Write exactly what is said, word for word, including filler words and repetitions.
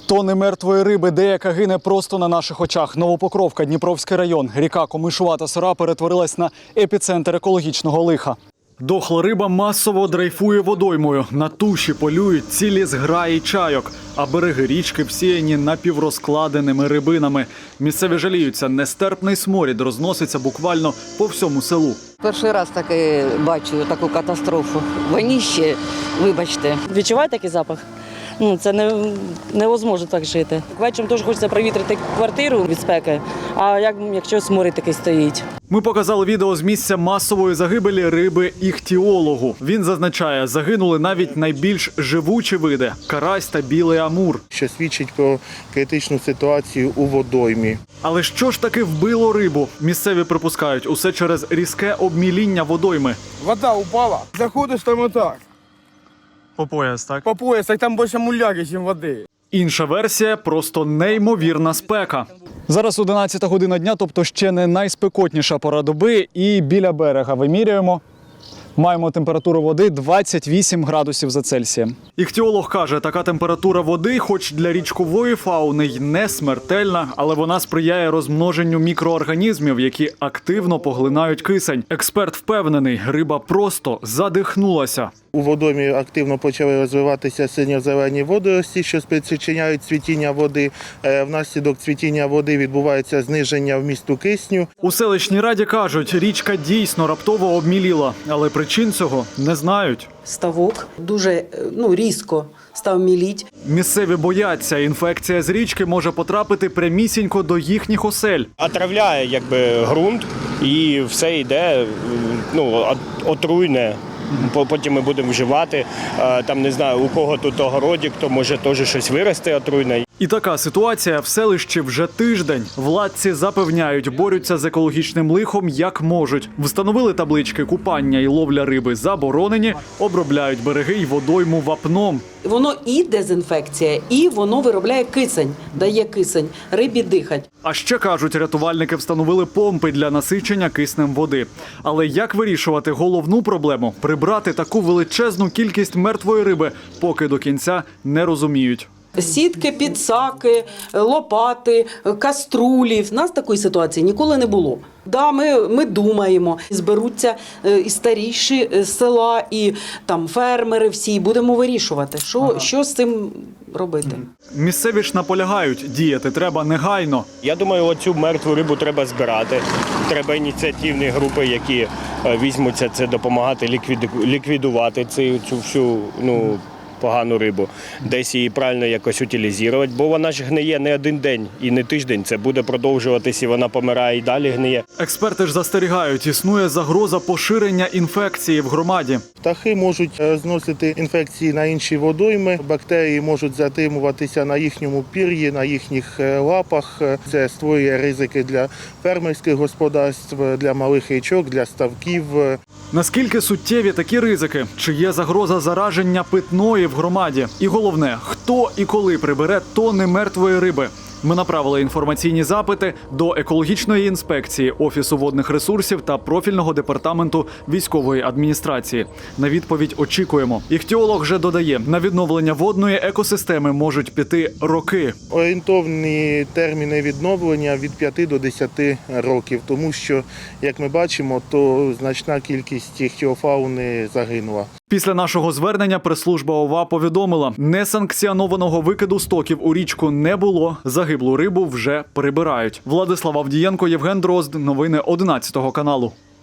Тони мертвої риби, деяка гине просто на наших очах. Новопокровка, Дніпровський район. Ріка Комишувата Сора перетворилась на епіцентр екологічного лиха. Дохла риба масово дрейфує водоймою. На туші полюють цілі зграї чайок, а береги річки всіяні напіврозкладеними рибинами. Місцеві жаліються, нестерпний сморід розноситься буквально по всьому селу. Перший раз таки бачу таку катастрофу. Воніще, вибачте. Відчуваєте такий запах? Ну, це не, невозможно так жити. Вечором теж хочеться провітрити квартиру від спеки, а як, якщо сморід такий стоїть. Ми показали відео з місця масової загибелі риби іхтіологу. Він зазначає, загинули навіть найбільш живучі види – карась та білий амур. Що свідчить про критичну ситуацію у водоймі. Але що ж таки вбило рибу? Місцеві припускають, усе через різке обміління водойми. Вода упала, заходиш там отак. По пояс, так? По пояс, так там більше муляги, ніж води. Інша версія – просто неймовірна спека. Зараз одинадцята година дня, тобто ще не найспекотніша пора доби, і біля берега вимірюємо. Маємо температуру води двадцять вісім градусів за Цельсієм. Іхтіолог каже, така температура води, хоч для річкової фауни й не смертельна, але вона сприяє розмноженню мікроорганізмів, які активно поглинають кисень. Експерт впевнений, риба просто задихнулася. У водоймі активно почали розвиватися синьо-зелені водорості, що спричиняють цвітіння води. Внаслідок цвітіння води відбувається зниження вмісту кисню. У селищній раді кажуть, річка дійсно раптово обміліла, але причин цього не знають. Ставок дуже ну, різко став міліть. Місцеві бояться, інфекція з річки може потрапити прямісінько до їхніх осель. Отравляє якби ґрунт і все йде, ну, отруйне. Потім ми будемо вживати, там не знаю, у кого тут огородик, то може теж щось вирости отруйне. І така ситуація в селищі вже тиждень. Владці запевняють, борються з екологічним лихом як можуть. Встановили таблички «Купання і ловля риби заборонені», обробляють береги й водойму вапном. Воно і дезінфекція, і воно виробляє кисень, дає кисень, рибі дихать. А ще, кажуть, рятувальники встановили помпи для насичення киснем води. Але як вирішувати головну проблему – прибрати таку величезну кількість мертвої риби, поки до кінця не розуміють. Сітки, підсаки, лопати, каструлі. В нас такої ситуації ніколи не було. Да, ми, ми думаємо, зберуться і старіші з села, і там фермери всі, будемо вирішувати, що, ага. що з цим робити. Місцеві ж наполягають, діяти треба негайно. Я думаю, оцю мертву рибу треба збирати. Треба ініціативні групи, які візьмуться це допомагати ліквідувати цю, цю всю, ну, погану рибу, десь її правильно якось утилізувати, бо вона ж гниє не один день і не тиждень, це буде продовжуватись і вона помирає і далі гниє. Експерти ж застерігають, існує загроза поширення інфекції в громаді. Птахи можуть зносити інфекції на інші водойми, бактерії можуть затримуватися на їхньому пір'ї, на їхніх лапах. Це створює ризики для фермерських господарств, для малих річок, для ставків. Наскільки суттєві такі ризики? Чи є загроза зараження питної в громаді? І головне, хто і коли прибере тони мертвої риби? Ми направили інформаційні запити до екологічної інспекції, Офісу водних ресурсів та профільного департаменту військової адміністрації. На відповідь очікуємо. Іхтіолог вже додає, на відновлення водної екосистеми можуть піти роки. Орієнтовні терміни відновлення від п'яти до десяти років, тому що, як ми бачимо, то значна кількість іхтіофауни загинула. Після нашого звернення прес-служба ОВА повідомила, несанкціонованого викиду стоків у річку не було, загиблу рибу вже прибирають. Владислав Авдієнко, Євген Дрозд. Новини одинадцятого каналу.